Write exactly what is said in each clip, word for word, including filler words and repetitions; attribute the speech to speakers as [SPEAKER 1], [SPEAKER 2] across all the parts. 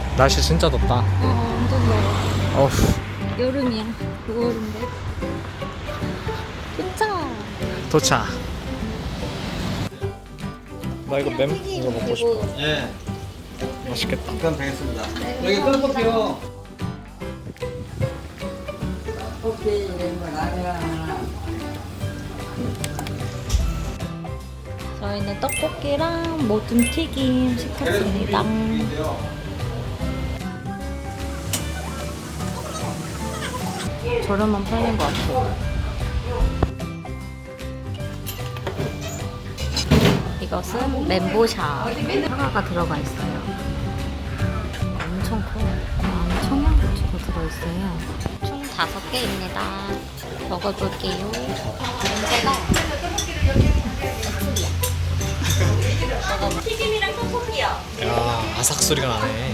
[SPEAKER 1] 날씨 진짜 덥다.
[SPEAKER 2] 어, 완전 더워.
[SPEAKER 1] 어후.
[SPEAKER 2] 여름이야. 구월인데. 도착.
[SPEAKER 1] 도착. 나 이거 램 이거 먹고 싶어.
[SPEAKER 3] 예,
[SPEAKER 1] 맛있겠다.
[SPEAKER 3] 그럼 되겠습니다. 여기 끓여볼게요.
[SPEAKER 2] 저희는 떡볶이랑 모든 튀김 시켰습니다. 저렴한 편인 것 같아요. 이것은 멘보샤. 사과가 들어가 있어요. 엄청 커요. 안에 청양고추도 들어있어요. 총 다섯 개입니다. 먹어볼게요. 냄새가 튀김이랑 떡볶이요.
[SPEAKER 1] 야, 아삭 소리가 나네.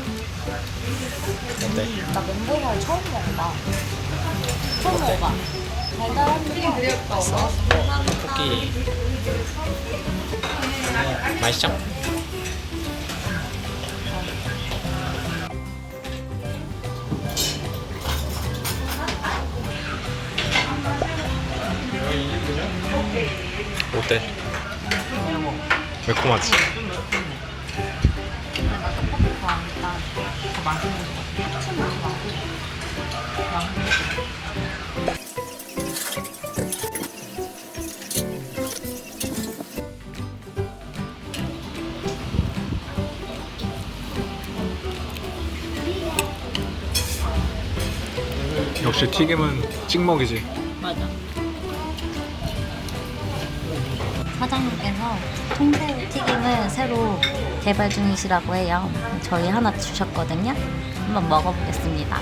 [SPEAKER 1] 어때?
[SPEAKER 2] 나 멘보샤를 처음 먹어봐. 처음 먹어봐. 달달한데 맛있어.
[SPEAKER 1] 떡볶이. 맛있죠? 어때? 매콤하지? 역시 튀김은 찍먹이지.
[SPEAKER 2] 맞아. 사장님께서 통새우 튀김을 새로 개발 중이시라고 해요. 저희 하나 주셨거든요. 한번 먹어보겠습니다.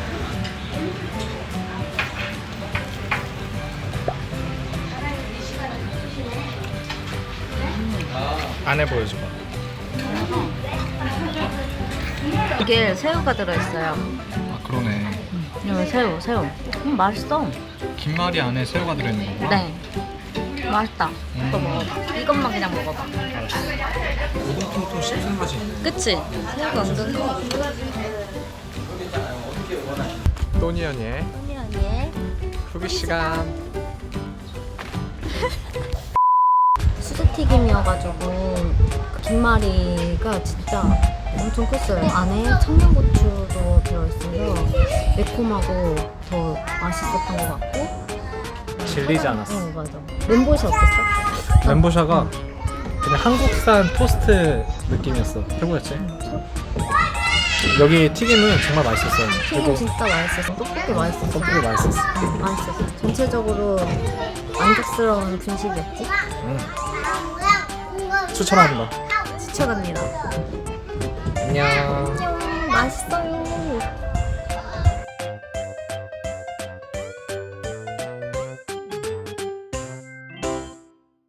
[SPEAKER 1] 안에 보여줘봐.
[SPEAKER 2] 이게 새우가 들어있어요.
[SPEAKER 1] 아 그러네.
[SPEAKER 2] 이거 새우, 새우. 음, 맛있어.
[SPEAKER 1] 김말이 안에 새우가 들어있는 거구나.
[SPEAKER 2] 네. 맛있다. 이거 먹어봐. 이것만 그냥 먹어봐.
[SPEAKER 1] 오동통통 씹는 맛이 있네.
[SPEAKER 2] 그치? 새우가 은근 커.
[SPEAKER 1] 또니언의
[SPEAKER 2] 언니 언니.
[SPEAKER 1] 후기 시간.
[SPEAKER 2] 수제튀김이어가지고 김말이가 진짜 엄청 컸어요. 안에 청양고추도 들어있어서 매콤하고 더 맛있었던 것 같고.
[SPEAKER 1] 질리지 않았어.
[SPEAKER 2] 어 맞아. 멘보샤 어땠어?
[SPEAKER 1] 멘보샤가 그냥 한국산 토스트 느낌이었어. 최고였지? 여기 튀김은 정말 맛있었어요.
[SPEAKER 2] 튀김 진짜 맛있었어. 떡볶이 맛있었어.
[SPEAKER 1] 떡볶이 맛있었어.
[SPEAKER 2] 응, 맛있었어. 전체적으로 만족스러운 분식이었지?
[SPEAKER 1] 음. 추천합니다.
[SPEAKER 2] 추천합니다.
[SPEAKER 1] 안녕.
[SPEAKER 2] 맛있어요.